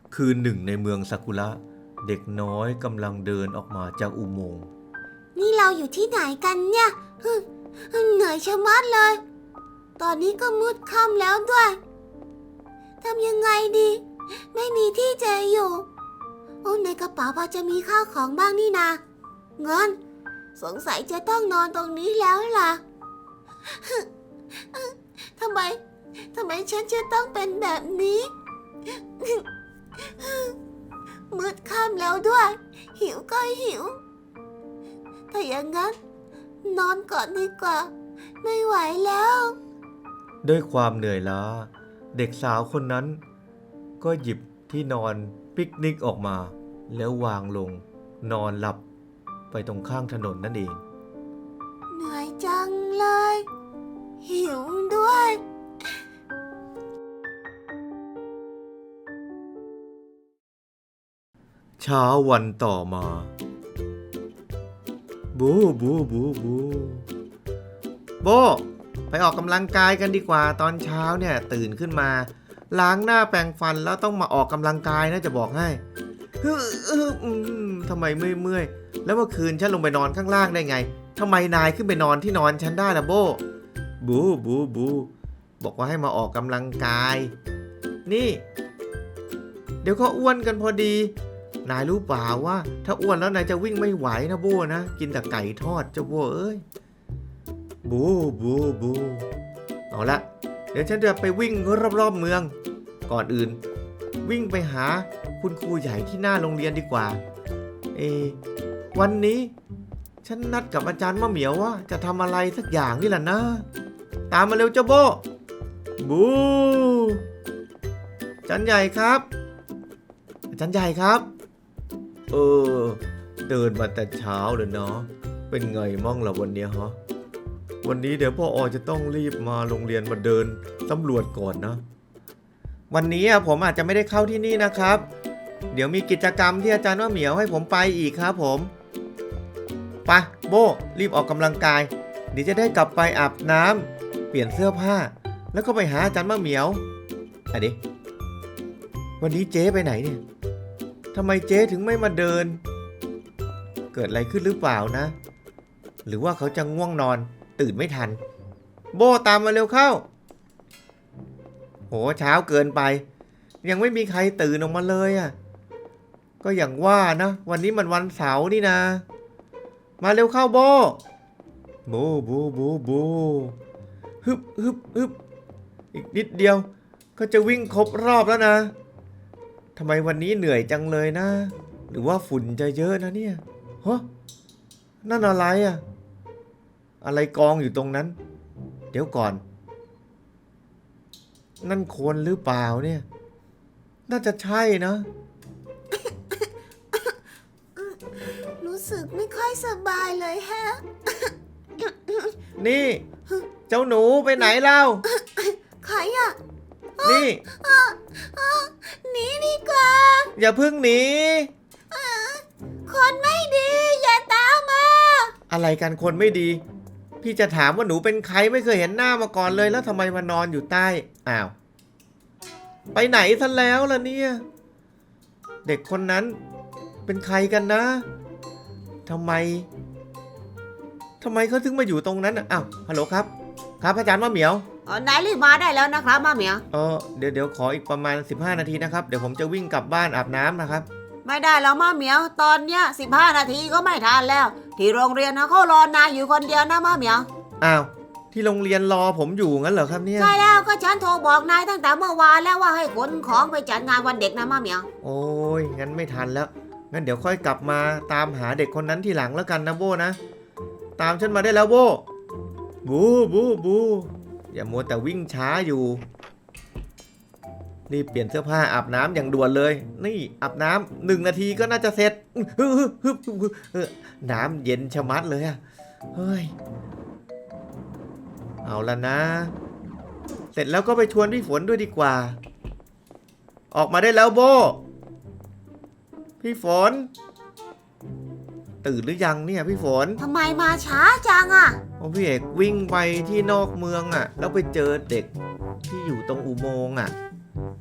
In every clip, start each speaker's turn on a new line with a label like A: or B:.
A: คืนหนึ่งในเมืองซากุระเด็กน้อยกำลังเดินออกมาจากอุโมงค์
B: นี่เราอยู่ที่ไหนกันเนี่ยเหนื่อยชะมัดเลย ตอนนี้ก็มืดค่ำแล้วด้วยทำยังไงดีไม่มีที่จะอยู่ในกระเป๋าพอจะมีข้าวของบ้างนี่นาเงินสงสัยจะต้องนอนตรงนี้แล้วล่ะทำไมฉันจะต้องเป็นแบบนี้มืดค่ำแล้วด้วยหิวก็หิวถ้าอย่างนั้นนอนก่อนดีกว่าไม่ไหวแล้ว
A: ด้วยความเหนื่อยล้าเด็กสาวคนนั้นก็หยิบที่นอนปิกนิกออกมาแล้ววางลงนอนหลับไปตรงข้างถนนนั่นเอง
B: เหนื่อยจังเลยหิวด้วย
A: เช้าวันต่อมาบูบูบูบูโบไปออกกำลังกายกันดีกว่าตอนเช้าเนี่ยตื่นขึ้นมาล้างหน้าแปรงฟันแล้วต้องมาออกกำลังกายนะจะบอกให้ทำไมเมื่อยแล้วเมื่อคืนฉันลงไปนอนข้างล่างได้ไงทำไมนายขึ้นไปนอนที่นอนฉันได้ล่ะโบบูบูบูบอกว่าให้มาออกกำลังกายนี่เดี๋ยวก็อ้วนกันพอดีนายรู้เปล่าว่าถ้าอ้วนแล้วนายจะวิ่งไม่ไหวนะโบนะกินแต่ไก่ทอดเจ้าโบเอ้ยบูบูบูเอาละเดี๋ยวฉันจะไปวิ่งรอบๆเมืองก่อนอื่นวิ่งไปหาคุณครูใหญ่ที่หน้าโรงเรียนดีกว่าวันนี้ฉันนัดกับอาจารย์มะเหมียวว่าจะทำอะไรสักอย่างนี่แหละนะตามมาเร็วเจ้าโบบูอาจารย์ใหญ่ครับอาจารย์ใหญ่ครับเดินมาแต่เช้าเลยเนาะเป็นไงมั่งล่ะวันนี้ฮะวันนี้เดี๋ยวพ่อจะต้องรีบมาโรงเรียนมาเดินสำรวจก่อนนะวันนี้ผมอาจจะไม่ได้เข้าที่นี่นะครับเดี๋ยวมีกิจกรรมที่อาจารย์ว่าเหมียวให้ผมไปอีกครับผมไปโบรีบออกกำลังกายเดี๋ยวจะได้กลับไปอาบน้ำเปลี่ยนเสื้อผ้าแล้วก็ไปหาอาจารย์มะเหมียวดิวันนี้เจ๊ไปไหนเนี่ยทำไมเจ๊ถึงไม่มาเดินเกิดอะไรขึ้นหรือเปล่านะหรือว่าเขาจะง่วงนอนตื่นไม่ทันโบตามมาเร็วเข้าโหเช้าเกินไปยังไม่มีใครตื่นออกมาเลยก็อย่างว่านะวันนี้มันวันเสาร์นี่นะมาเร็วเข้าโบบูบูบูบูฮึบฮึบฮึบอีกนิดเดียวก็จะวิ่งครบรอบแล้วนะทำไมวันนี้เหนื่อยจังเลยนะหรือว่าฝุ่นจะเยอะนะเนี่ยฮะนั่นอะไรอะไรกองอยู่ตรงนั้นเดี๋ยวก่อนนั่นคนหรือเปล่าเนี่ยน่าจะใช่นะ
B: รู้สึกไม่ค่อยสบายเลยฮะ
A: นี่เจ้าหนูไปไหนเล่า
B: ใคร
A: นี่
B: หนีดีกว่า
A: อย่าเพิ่งหนี
B: คนไม่ดีอย่าตามมา
A: อะไรกันคนไม่ดีพี่จะถามว่าหนูเป็นใครไม่เคยเห็นหน้ามาก่อนเลยแล้วทำไมมานอนอยู่ใต้ไปไหนซะแล้วล่ะเนี่ยเด็กคนนั้นเป็นใครกันนะทำไมเขาถึงมาอยู่ตรงนั้นฮัลโหลครับอาจารย์มะเหมีย
B: วนายรีบมาได้แล้วนะครับมะเหมียว
A: เดี๋ยวขออีกประมาณ15นาทีนะครับเดี๋ยวผมจะวิ่งกลับบ้านอาบน้ำนะครับ
B: ไม่ได้แล้วมะเหมียวตอนเนี้ย15นาทีก็ไม่ทันแล้วที่โรงเรียนนะเขารอนายอยู่คนเดียวนะมะเหมียว
A: ที่โรงเรียนรอผมอยู่งั้นเหรอครับเนี่ย
B: ใช่แล้วก็ฉันโทรบอกนายตั้งแต่เมื่อวานแล้วว่าให้ขนของไปจัดงานวันเด็กนะมะเหมียว
A: โอ้ยงั้นไม่ทันแล้วงั้นเดี๋ยวค่อยกลับมาตามหาเด็กคนนั้นทีหลังแล้วกันนะโบนะตามฉันมาได้แล้วโบบูบูบูอย่ามัวแต่วิ่งช้าอยู่นี่เปลี่ยนเสื้อผ้าอาบน้ำอย่างด่วนเลยนี่อาบน้ำ1 นาทีก็น่าจะเสร็จน้ำเย็นชะมัดเลยเฮ้ยเอาละนะเสร็จแล้วก็ไปชวนพี่ฝนด้วยดีกว่าออกมาได้แล้วโบพี่ฝนตื่นหรือยังเนี่ยพี่ฝน
B: ทำไมมาช้าจัง
A: พี่เอกวิ่งไปที่นอกเมืองแล้วไปเจอเด็กที่อยู่ตรงอุโมงค์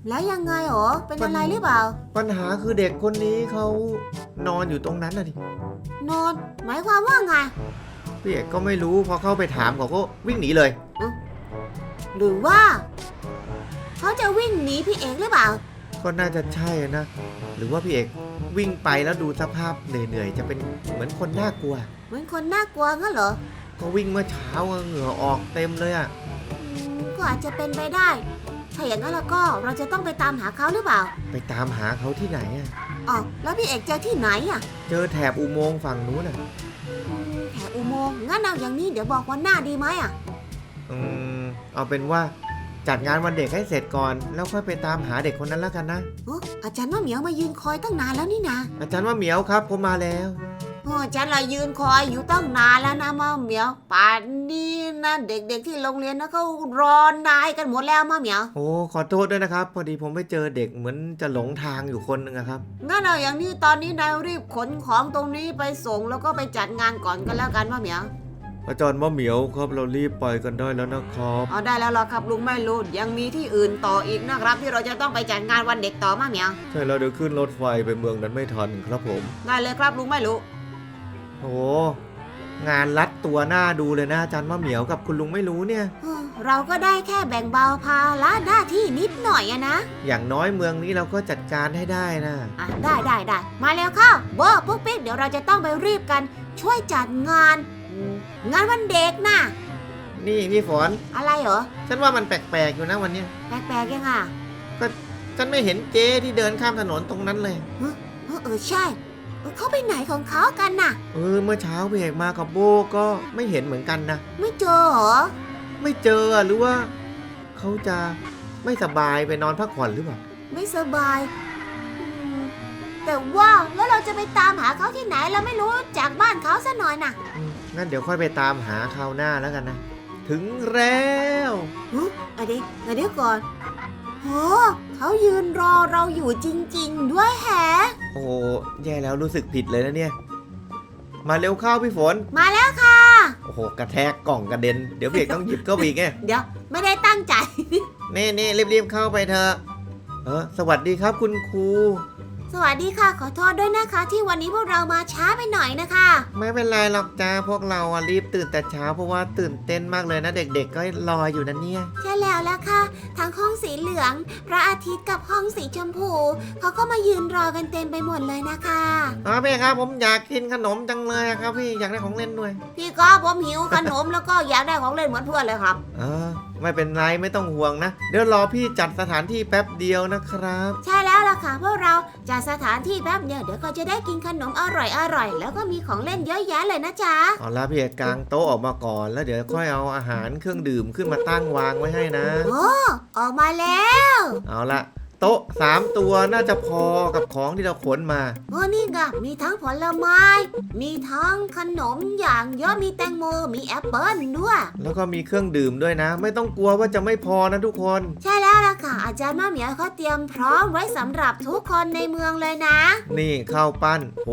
B: แล้วยังไงหรอเป็นอะไรหรือเปล่า
A: ปัญหาคือเด็กคนนี้เขานอนอยู่ตรงนั้นน่ะดิ
B: นอนหมายความว่าไง
A: พี่เอกก็ไม่รู้พอเข้าไปถามเขาก็วิ่งหนีเลย
B: หรือว่าเขาจะวิ่งหนีพี่เอกหรือเปล่า
A: ก็น่าจะใช่นะ หรือว่าพี่เอกวิ่งไปแล้วดูสภาพเหนื่อยๆจะเป็นเหมือนคนน่ากลัว
B: เหมือนคนน่ากลัวงั้นเหรอ
A: ก็วิ่งเมื่อเช้าอะเหงื่อออกเต็มเลยอะ
B: ก็อาจจะเป็นไปได้ ถ้าอย่างนั้นแล้วก็เราจะต้องไปตามหาเขาหรือเปล่า
A: ไปตามหาเขาที่ไหนอะ
B: อ๋อแล้วพี่เอกเจอที่ไหนอ่ะ
A: เจอแถบอุโมงค์ฝั่งนู้นอะ
B: แถวอุโมงค์งั้นเอาอย่างนี้เดี๋ยวบอกวันหน้าดีไหมอ่ะ
A: เอาเป็นว่าจัดงานวันเด็กให้เสร็จก่อน แล้วค่อยไปตามหาเด็กคนนั้นแล้วกันนะ
B: อาจารย์ว่าเหมียวมายืนคอยตั้งนานแล้วนี่นะ
A: อาจารย์ว่าเหมียวครับผมมาแล้ว
B: อาจารย์เรายืนคอยอยู่ตั้งนานแล้วนะมาเหมียวป่านนี้นะเด็กๆที่โรงเรียนนะเขารอนายกันหมดแล้วมาเหมียว
A: โอ้ขอโทษด้วยนะครับ พอดีผมไปเจอเด็กเหมือนจะหลงทางอยู่คนหนึงอะครับ
B: งั้นเอาอย่างนี้ตอนนี้นายรีบขนของตรงนี้ไปส่งแล้วก็ไปจัดงานก่อนกันแล้วกันมาเหมียว
A: อาจารย์ว่าเหมียวครับเรารีบไปกันได้แล้วนะครับ
B: เอาได้แล้วล่ะครับลุงไม่รู้ยังมีที่อื่นต่ออีกนะครับที่เราจะต้องไปจัดงานวันเด็กต่อมาเหมียว
A: ใช่แล้วเดี๋ยวขึ้นรถไฟไปเมืองนั้นไม่ทันครับผม
B: ได้เลยครับลุงไม่รู้
A: โอ้งานรัดตัวหน้าดูเลยนะอาจารย์ว่าเหมียวกับคุณลุงไม่รู้เนี่ย
B: เราก็ได้แค่แบ่งเบาภาระหน้าที่นิดหน่อยอะนะ
A: อย่างน้อยเมืองนี้เราก็จัดการให้ได้นะ
B: ได้มาแล้วเข้าโบปุ๊กปิ๊กเดี๋ยวเราจะต้องไปรีบกันช่วยจัดงานวันเด็กนะ
A: นี่พี่ฝน
B: อะไรเหรอ
A: ฉันว่ามันแปลกๆอยู่นะวันเนี้ย
B: แปลกๆยังอ่ะ
A: ฉันไม่เห็นเจ๊ที่เดินข้ามถนนตรงนั้นเลย
B: ใช่เขาไปไหนของเขากันน่ะ
A: เมื่อเช้าพี่เอกมากับโบก็ไม่เห็นเหมือนกันนะ
B: ไม่เจอเหรอ
A: ไม่เจอหรือว่าเขาจะไม่สบายไปนอนพักผ่อนหรือเปล่า
B: ไม่สบายแต่ว่าแล้วเราจะไปตามหาเขาที่ไหนเราไม่รู้จากบ้านเขาซะหน่อยน่ะ
A: งั้นเดี๋ยวค่อยไปตามหาคราวหน้าแล้วกันนะ ถึงแล้ว
B: เดี๋ยวก่อนโหเขายืนรอเราอยู่จริงๆด้วยแฮะ
A: โอ้แย่แล้วรู้สึกผิดเลยนะเนี่ย มาเร็วเข้าพี่ฝน
B: มาแล้วค่ะ
A: โอ้โหกระแทกกล่องกระเด็น เดี๋ยวพี่เอกต้องหยิบเข้าไปอีกไง
B: เดี๋ยวไม่ได้ตั้งใจ
A: นี่รีบๆเข้าไปเถอะสวัสดีครับคุณครู
B: สวัสดีค่ะขอโทษด้วยนะคะ ที่วันนี้พวกเรามาช้าไปหน่อยนะคะ
A: ไม่เป็นไรหรอกจ้าพวกเรารีบตื่นแต่เช้าเพราะว่าตื่นเต้นมากเลยนะเด็กๆก็รออยู่นะเนี่ย
B: ใช่แล้วล่ะค่ะทั้งห้องสีเหลืองพระอาทิตย์กับห้องสีชมพูเขาก็มายืนรอกันเต็มไปหมดเลยนะคะ
A: พี่ครับผมอยากกินขนมจังเลยครับพี่อยากได้ของเล่นด้วย
B: พี่ก็ผมหิวขนม แล้วก็อยากได้ของเล่นเหมือนเพื่อนเลยครับ
A: ไม่เป็นไรไม่ต้องห่วงนะเดี๋ยวรอพี่จัดสถานที่แป๊บเดียวนะครับ
B: ใช่แล้วล่ะค่ะพวกเราจัดสถานที่แป๊บเดียวเดี๋ยวก็จะได้กินขนมอร่อยแล้วก็มีของเล่นเยอะแยะเลยนะจ๊ะ
A: เอาละพี่เอกกางโต๊ะออกมาก่อนแล้วเดี๋ยวค่อยเอาอาหารเครื่องดื่มขึ้นมาตั้งวางไว้ให้นะ
B: โอ้ออกมาแล้ว
A: เอาละโต๊ะ3ตัวน่าจะพอกับของที่เราขนมา
B: โอ้นี่ไงมีทั้งผลไม้ มีทั้งขนมอย่างเยอะมีแตงโมมีแอปเปิ้ลด้วย
A: แล้วก็มีเครื่องดื่มด้วยนะ ไม่ต้องกลัวว่าจะไม่พอนะทุกคน
B: ใช่แล้วล่ะค่ะอาจารย์มะเหมียวเขาเตรียมพร้อมไว้สำหรับทุกคนในเมืองเลยนะ
A: นี่ข้าวปั้นโห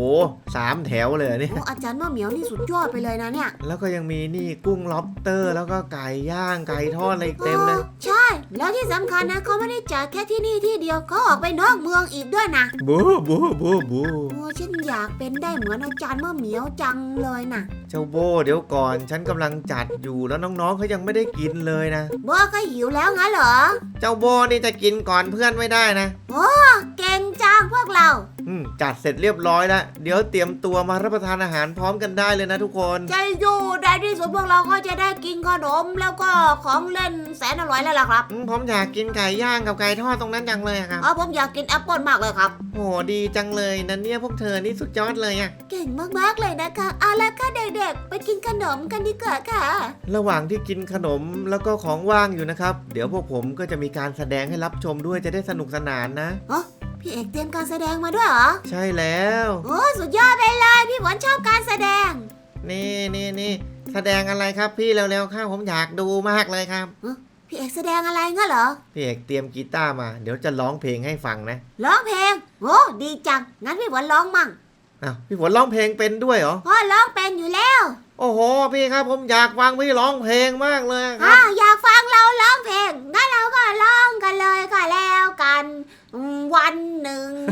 A: 3 แถวเลยเนี่ย
B: โอ้อาจารย์มะเหมียวนี่สุดยอดไปเลยนะเนี่ย
A: แล้วก็ยังมีนี่กุ้งล็อบสเตอร์ แล้วก็ไก่ย่างไก่ทอดอะไรอีกเต็มเลย
B: ใช่ แล้วที่สำคัญนะเขาไม่ได้จัดแค่ที่นี่ที่เดียวเขาออกไปนอกเมืองอีกด้วยนะ
A: บูบูบูบู
B: โอ้ฉันอยากเป็นได้เหมือนอาจารย์มะเหมียวจังเลยนะ
A: เจ้าโบเดี๋ยวก่อนฉันกำลังจัดอยู่แล้วน้องๆเขายังไม่ได้กินเลยนะ
B: โบก็หิวแล้วงั้นเหรอ
A: เจ้าโบนี่จะกินก่อนเพื่อนไม่ได้นะ
B: เก่งจังพวกเรา
A: จัดเสร็จเรียบร้อยแล้วเดี๋ยวเตรียมตัวมารับประทานอาหารพร้อมกันได้เลยนะทุกคน
B: ใจอยู่ได้ที่สุดพวกเราก็จะได้กินขนมแล้วก็ของเล่นแสนอร่อยแล้วล่ะครับ
A: ผมอยากกินไก่ย่างกับไก่ทอดตรงนั้นจังเลยอะครับ
B: ผมอยากกินแอปเปิลมากเลยครับ
A: โหดีจังเลยนะเนี่ยพวกเธอนี่สุดยอดเลยอะ
B: เก่งมากๆเลยนะคะเอาละค่ะเด็กๆไปกินขนมกันดีกว่าค่ะ
A: ระหว่างที่กินขนมแล้วก็ของว่างอยู่นะครับเดี๋ยวพวกผมก็จะมีการแสดงให้รับชมด้วยจะได้สนุกสนานนะ
B: พี่เอกเตรียมการแสดงมาด้วยเหรอ
A: ใช่แล้ว
B: โอ้สุดยอดไปเลยพี่ฝนชอบการแสดง
A: นี่แสดงอะไรครับพี่เร็วๆครับผมอยากดูมากเลยครับ
B: พี่เอกแสดงอะไรงั้นเหรอ
A: พี่เอกเตรียมกีตาร์มาเดี๋ยวจะร้องเพลงให้ฟังนะ
B: ร้องเพลงโอ้ดีจังงั้นพี่ฝนร้องมั่ง
A: พี่ฝนร้องเพลงเป็นด้วยเหรอ
B: พ่อร้องเป็นอยู่แล้ว
A: โอ้โหพี่ครับผมอยากฟังพี่ร้องเพลงมากเลยครับ
B: อยากฟังเราร้องเพลงงั้นเราก็ร้องกันเลยก็แล้วกันวันหนึ่ง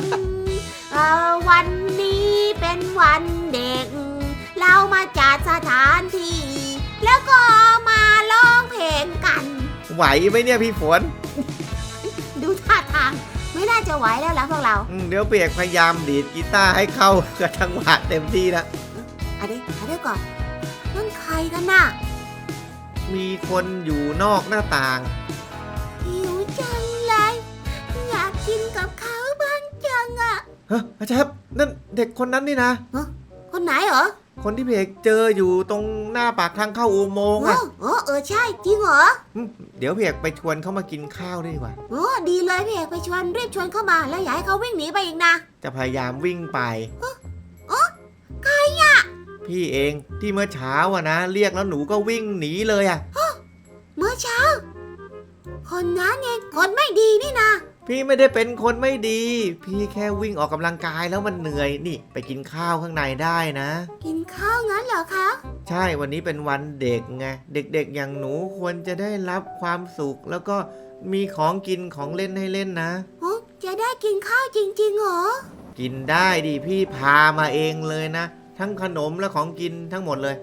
B: วันนี้เป็นวันเด็ก เรามาจัดสถานที่ แล้วก็มาร้องเพลงกัน
A: ไหวไหมเนี่ยพี่ฝน
B: ดูท่าทางไม่น่าจะไหวแล้วล่ะพวกเรา
A: เดี๋ยวเปียกพยายามดีดกีตาร์ให้เข้ากับจังหวะเต็มที่นะ
B: เดี๋ยวก่อนนั่นใครกันน่ะ
A: มีคนอยู่นอกหน้าต่าง
B: หิวจังเลยอยากกินกับเขาบ้างจังอะ
A: ฮะอาจารย์นั่นเด็กคนนั้นนี่นะ
B: คนไหนเหรอ
A: คนที่พี่เอกเจออยู่ตรงหน้าปากทางเข้าอุโมงค์อะ
B: ใช่จริงเหรอ
A: เดี๋ยวพี่เอกไปชวนเขามากินข้าวด้วยดีกว่า
B: ดีเลยพี่เอกไปชวนรีบชวนเข้ามาแล้วอย่าให้เขาวิ่งหนีไปอีกนะ
A: จะพยายามวิ่งไป
B: ใครอะ
A: พี่เองที่เมื่อเช้าอะนะเรียกแล้วหนูก็วิ่งหนีเลยอะ
B: เมื่อเช้า คนนั้นไงคนไม่ดีนี่นะ
A: พี่ไม่ได้เป็นคนไม่ดี พี่แค่วิ่งออกกำลังกายแล้วมันเหนื่อยนี่ไปกินข้าวข้างในได้นะ
B: กินข้าวงั้นเหรอคะ
A: ใช่วันนี้เป็นวันเด็กไงเด็กๆอย่างหนูควรจะได้รับความสุข แล้วก็มีของกินของเล่นให้เล่นนะ
B: จะได้กินข้าวจริงๆเหรอ
A: กินได้ดิพี่พามาเองเลยนะ ทั้งขนมและของกินทั้งหมดเลย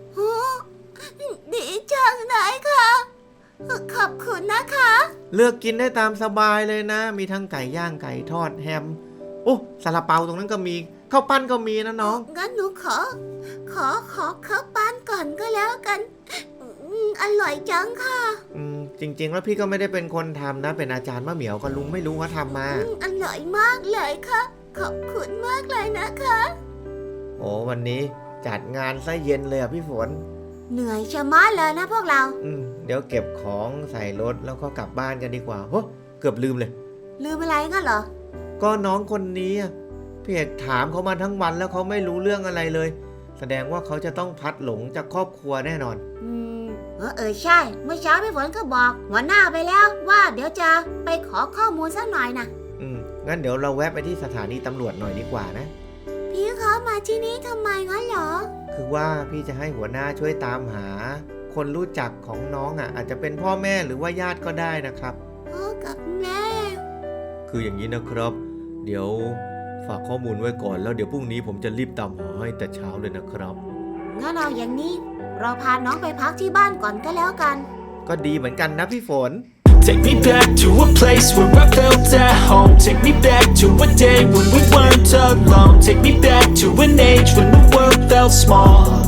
B: ดีจังเลยค่ะ ขอบคุณนะคะ
A: เลือกกินได้ตามสบายเลยนะ มีทั้งไก่ย่างไก่ทอดแฮมโอ้ซาลาเปาตรงนั้นก็มีข้าวปั้นก็มีนะน้อง
B: งั้นหนูขอข้าวปั้นก่อนก็แล้วกัน อร่อยจังค่ะ
A: จริงๆแล้วพี่ก็ไม่ได้เป็นคนทำนะ เป็นอาจารย์มะเหมียวกับลุงไม่รู้ว่าทำมา
B: อร่อยมากเลยค่ะ ขอบคุณมากเลยนะคะ
A: โอ้วันนี้จัดงานซะเย็นเลยอ่ะพี่ฝน
B: เหนื่อยชะมัดเลยนะพวกเรา
A: เดี๋ยวเก็บของใส่รถแล้วก็กลับบ้านกันดีกว่าโอ้เกือบลืมเลย
B: ลืมอะไรงั้นเหรอ
A: ก็น้องคนนี้อะพี่เอกถามเขามาทั้งวันแล้วเขาไม่รู้เรื่องอะไรเลย แสดงว่าเขาจะต้องพลัดหลงจากครอบครัวแน่นอน
B: ใช่ เมื่อเช้าพี่ฝนก็บอกหัวหน้าไปแล้วว่าเดี๋ยวจะไปขอข้อมูลสักหน่อยนะ
A: งั้นเดี๋ยวเราแวะไปที่สถานีตำรวจหน่อยดีกว่านะ
B: พี่เขามาที่นี่ทำไมงั้นเหรอ
A: คือว่าพี่จะให้หัวหน้าช่วยตามหา คนรู้จักของน้องอ่ะอาจจะเป็นพ่อแม่หรือว่าญาติก็ได้นะครับ
B: พ่อกับแม่
A: คืออย่างนี้นะครับ เดี๋ยวฝากข้อมูลไว้ก่อนแล้วเดี๋ยวพรุ่งนี้ผมจะรีบตามหาให้แต่เช้าเลยนะครับ
B: งั้นเอาอย่างนี้เราพาน้องไปพักที่บ้านก่อนก็แล้วกัน
A: ก็ดีเหมือนกันนะพี่ฝน
C: Take me back to a place where I felt at home. Take me back to a day when we weren't alone. Take me back to an age when the world felt small.